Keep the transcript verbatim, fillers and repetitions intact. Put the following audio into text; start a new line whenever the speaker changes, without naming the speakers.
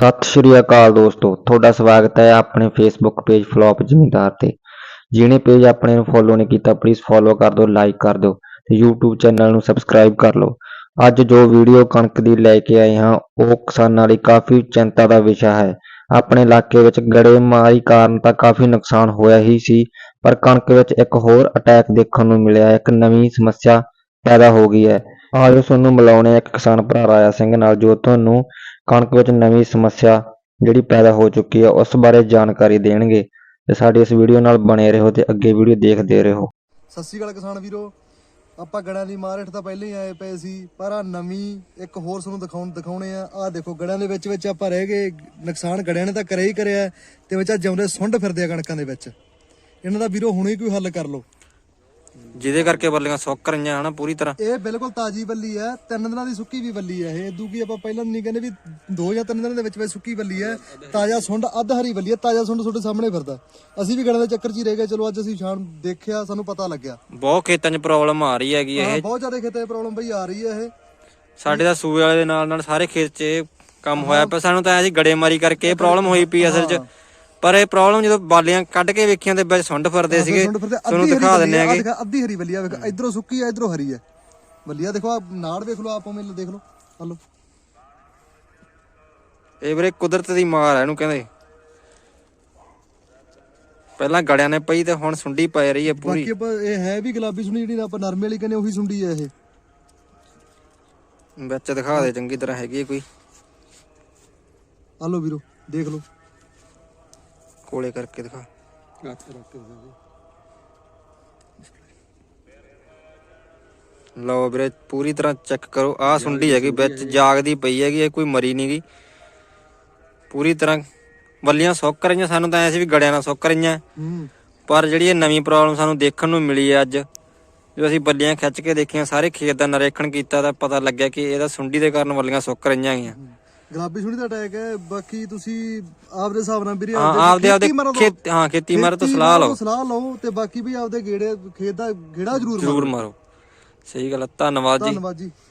ਸਤਿ ਸ਼੍ਰੀ ਅਕਾਲ ਦੋਸਤੋ, ਤੁਹਾਡਾ ਸਵਾਗਤ ਹੈ ਆਪਣੇ ਫੇਸਬੁੱਕ ਪੇਜ ਫਲੋਪ ਜ਼ਿਮੀਂਦਾਰ ਤੇ। ਜਿਹਨੇ ਪੇਜ ਆਪਣੇ ਨੂੰ ਫੋਲੋ ਨਹੀਂ ਕੀਤਾ ਪਲੀਜ਼ ਫੋਲੋ ਕਰ ਦਿਓ, ਲਾਈਕ ਕਰ ਦਿਓ ਤੇ YouTube ਚੈਨਲ ਨੂੰ ਸਬਸਕ੍ਰਾਈਬ ਕਰ ਲਓ। ਅੱਜ ਜੋ ਵੀਡੀਓ ਕਣਕ ਦੀ ਲੈ ਕੇ ਆਏ ਹਾਂ ਉਹ ਕਿਸਾਨਾਂ ਲਈ ਕਾਫੀ ਚਿੰਤਾ ਦਾ ਵਿਸ਼ਾ ਹੈ। ਆਪਣੇ ਇਲਾਕੇ ਵਿੱਚ ਗੜੇਮਾਰੀ ਕਾਰਨ ਤਾਂ ਕਾਫੀ ਨੁਕਸਾਨ ਹੋਇਆ ਹੀ ਸੀ, ਪਰ ਕਣਕ ਵਿੱਚ ਇੱਕ ਹੋਰ ਅਟੈਕ ਦੇਖਣ ਨੂੰ ਮਿਲਿਆ। ਇੱਕ ਨਵੀਂ ਸਮੱਸਿਆ ਪੈਦਾ ਹੋ ਗਈ ਹੈ। ਆਜੋ ਤੁਹਾਨੂੰ ਮਿਲਾਉਣੇ ਇੱਕ ਕਿਸਾਨ ਭਰਾ ਰਾਜਾ ਸਿੰਘ ਨਾਲ, ਜੋ ਤੁਹਾਨੂੰ ਕਣਕ ਵਿੱਚ ਨਵੀਂ ਸਮੱਸਿਆ ਜਿਹੜੀ ਪੈਦਾ ਹੋ ਚੁੱਕੀ ਹੈ ਉਸ ਬਾਰੇ ਜਾਣਕਾਰੀ ਦੇਣਗੇ। ਤੇ ਸਾਡੀ ਇਸ ਵੀਡੀਓ ਨਾਲ ਬਣੇ ਰਹੋ ਤੇ ਅੱਗੇ ਵੀਡੀਓ ਦੇਖਦੇ ਰਹੋ।
ਸਤਿ ਸ਼੍ਰੀ ਅਕਾਲ ਕਿਸਾਨ ਵੀਰੋ, ਆਪਾਂ ਗੜਿਆਂ ਦੀ ਮਾਰਕੀਟ ਤਾਂ ਪਹਿਲਾਂ ਹੀ ਆਏ ਪਏ ਸੀ, ਪਰ ਆ ਨਵੀਂ ਇੱਕ ਹੋਰ ਤੁਹਾਨੂੰ ਦਿਖਾਉਣ ਦਿਖਾਉਣੇ ਆ। ਆਹ ਦੇਖੋ ਗੜਿਆਂ ਦੇ ਵਿੱਚ ਵਿੱਚ ਆਪਾਂ ਰਹਿ ਗਏ, ਨੁਕਸਾਨ ਗੜਿਆਂ ਨੇ ਤਾਂ ਕਰਿਆ ਹੀ ਕਰਿਆ ਤੇ ਵਿੱਚ ਆ ਜਿਉਂਦੇ ਸੁੰਡ ਫਿਰਦੇ ਆ ਕਣਕਾਂ ਦੇ ਵਿੱਚ। ਇਹਨਾਂ ਦਾ ਵੀਰੋ ਹੁਣੇ ਕੋਈ ਹੱਲ ਕਰ ਲਓ,
ਜਿਹਦੇ ਕਰਕੇ ਬੱਲੀਆਂ ਸੁੱਕ ਰਹੀਆਂ ਹਨ ਪੂਰੀ ਤਰ੍ਹਾਂ।
ਇਹ ਬਿਲਕੁਲ ਤਾਜ਼ੀ ਬੱਲੀ ਹੈ, ਤਿੰਨ ਦਿਨਾਂ ਦੀ ਸੁੱਕੀ ਵੀ ਬੱਲੀ ਹੈ ਇਹ। ਇਦੋਂ ਕੀ ਆਪਾਂ ਪਹਿਲਾਂ ਨਹੀਂ ਕਹਿੰਦੇ ਵੀ ਦੋ ਜਾਂ ਤਿੰਨ ਦਿਨਾਂ ਦੇ ਵਿੱਚ ਵਿੱਚ ਸੁੱਕੀ ਬੱਲੀ ਹੈ। ਤਾਜ਼ਾ ਸੁੰਡ ਅੱਧ ਹਰੀ ਬੱਲੀ ਹੈ, ਤਾਜ਼ਾ ਸੁੰਡ ਤੁਹਾਡੇ ਸਾਹਮਣੇ ਫਿਰਦਾ। ਅਸੀਂ ਵੀ ਗੜਾਂ ਦੇ ਚੱਕਰ 'ਚ ਹੀ ਰਹਿ ਗਏ। ਚਲੋ ਅੱਜ ਅਸੀਂ ਸ਼ਾਮ ਦੇਖਿਆ, ਸਾਨੂੰ ਪਤਾ ਲੱਗਿਆ
ਬਹੁਤ ਖੇਤਾਂ 'ਚ ਪ੍ਰੋਬਲਮ ਆ ਰਹੀ ਹੈਗੀ ਇਹ।
ਬਹੁਤ ਜ਼ਿਆਦਾ ਖੇਤਾਂ 'ਚ ਪ੍ਰੋਬਲਮ ਬਈ ਆ ਰਹੀ ਹੈ ਇਹ।
ਸਾਡੇ ਤਾਂ ਸੂਏ ਵਾਲੇ ਦੇ ਨਾਲ ਨਾਲ ਸਾਰੇ ਖੇਤ 'ਚ ਇਹ ਕੰਮ ਹੋਇਆ ਪਿਆ। ਸਾਨੂੰ ਤਾਂ ਐ ਜੀ ਗੜੇਮਾਰੀ ਕਰਕੇ ਇਹ ਪ੍ਰੋਬਲਮ ਹੋਈ ਪਈ ਅਸਲ 'ਚ। ਪਰ ਇਹ ਪ੍ਰੋਬਲਮ ਜਦੋਂ ਬਾਲੀਆਂ ਕੱਢ ਕੇ ਵੇਖੀਆਂ ਤੇ ਵਿੱਚ ਸੁੰਡ ਫਿਰਦੇ ਸੀਗੇ। ਤੁਹਾਨੂੰ ਦਿਖਾ ਦਿੰਨੇ ਆਗੇ।
ਅੱਧੀ ਹਰੀ ਬੱਲੀ ਆ, ਵੇਖ ਇਧਰੋਂ ਸੁੱਕੀ ਆ ਇਧਰੋਂ ਹਰੀ ਆ ਬੱਲੀ ਆ। ਦੇਖੋ ਆ ਨਾੜ ਵੇਖ ਲਓ, ਆਪੋ ਮਿਲ ਦੇਖ ਲਓ। ਹਲੋ
ਇਹ ਵੀਰੇ ਕੁਦਰਤ ਦੀ ਮਾਰ ਹੈ ਇਹਨੂੰ ਕਹਿੰਦੇ। ਪਹਿਲਾਂ ਗੜਿਆਂ ਨੇ ਪਈ ਤੇ ਹੁਣ ਸੁੰਡੀ ਪੈ ਰਹੀ ਹੈ ਪੂਰੀ।
ਬਾਕੀ ਆਪਾਂ ਇਹ ਹੈ ਵੀ ਗੁਲਾਬੀ ਸੁੰਡੀ, ਜਿਹੜੀ ਆਪਾਂ ਨਰਮੇ ਵਾਲੀ ਕਹਿੰਦੇ ਉਹੀ ਸੁੰਡੀ ਹੈ ਇਹ।
ਵਿੱਚ ਦਿਖਾ ਦੇ ਚੰਗੀ ਤਰ੍ਹਾਂ ਹੈਗੀ ਕੋਈ।
ਹਲੋ ਵੀਰੋ ਦੇਖ ਲਓ,
ਕੋਲੇ ਕਰਕੇ ਦਿਖਾ। ਲਓ ਵੀਰੇ ਪੂਰੀ ਤਰ੍ਹਾਂ ਚੈੱਕ ਕਰੋ। ਆਹ ਸੁੰਡੀ ਹੈਗੀ ਵਿੱਚ ਜਾਗਦੀ ਪਈ ਹੈਗੀ, ਇਹ ਕੋਈ ਮਰੀ ਨੀ ਗੀ। ਪੂਰੀ ਤਰ੍ਹਾਂ ਬੱਲੀਆਂ ਸੁੱਕ ਰਹੀਆਂ। ਸਾਨੂੰ ਤਾਂ ਐ ਸੀ ਵੀ ਗੜਿਆਂ ਨਾਲ ਸੁੱਕ ਰਹੀਆਂ, ਪਰ ਜਿਹੜੀ ਇਹ ਨਵੀਂ ਪ੍ਰੋਬਲਮ ਸਾਨੂੰ ਦੇਖਣ ਨੂੰ ਮਿਲੀ ਹੈ ਅੱਜ, ਜੋ ਅਸੀਂ ਬੱਲੀਆਂ ਖਿੱਚ ਕੇ ਦੇਖੀਆਂ, ਸਾਰੇ ਖੇਤ ਦਾ ਨਿਰੀਖਣ ਕੀਤਾ ਤਾਂ ਪਤਾ ਲੱਗਿਆ ਕਿ ਇਹਦਾ ਸੁੰਡੀ ਦੇ ਕਾਰਨ ਬੱਲੀਆਂ ਸੁੱਕ ਰਹੀਆਂ ਹੈਗੀਆਂ।
ਗੁਲਾਬੀ ਸੁੰਡੀ ਦਾ ਅਟੈਕ ਹੈ। ਬਾਕੀ ਤੁਸੀਂ ਆਪਦੇ ਹਿਸਾਬ ਨਾਲ ਵੀਰੇ
ਆਪਦੇ ਆਪਦੇ ਖੇਤ ਹਾਂ ਖੇਤੀ ਮਾਰ ਤੋਂ ਸਲਾਹ ਲਓ
ਸਲਾਹ ਲਓ ਤੇ ਬਾਕੀ ਵੀ ਆਪਦੇ ਗੇੜੇ ਖੇਤ ਦਾ ਗੇੜਾ ਜ਼ਰੂਰ
ਜ਼ਰੂਰ ਮਾਰੋ। ਸਹੀ ਗੱਲ ਹੈ, ਧੰਨਵਾਦ ਜੀ।
ਧੰਨਵਾਦ ਜੀ।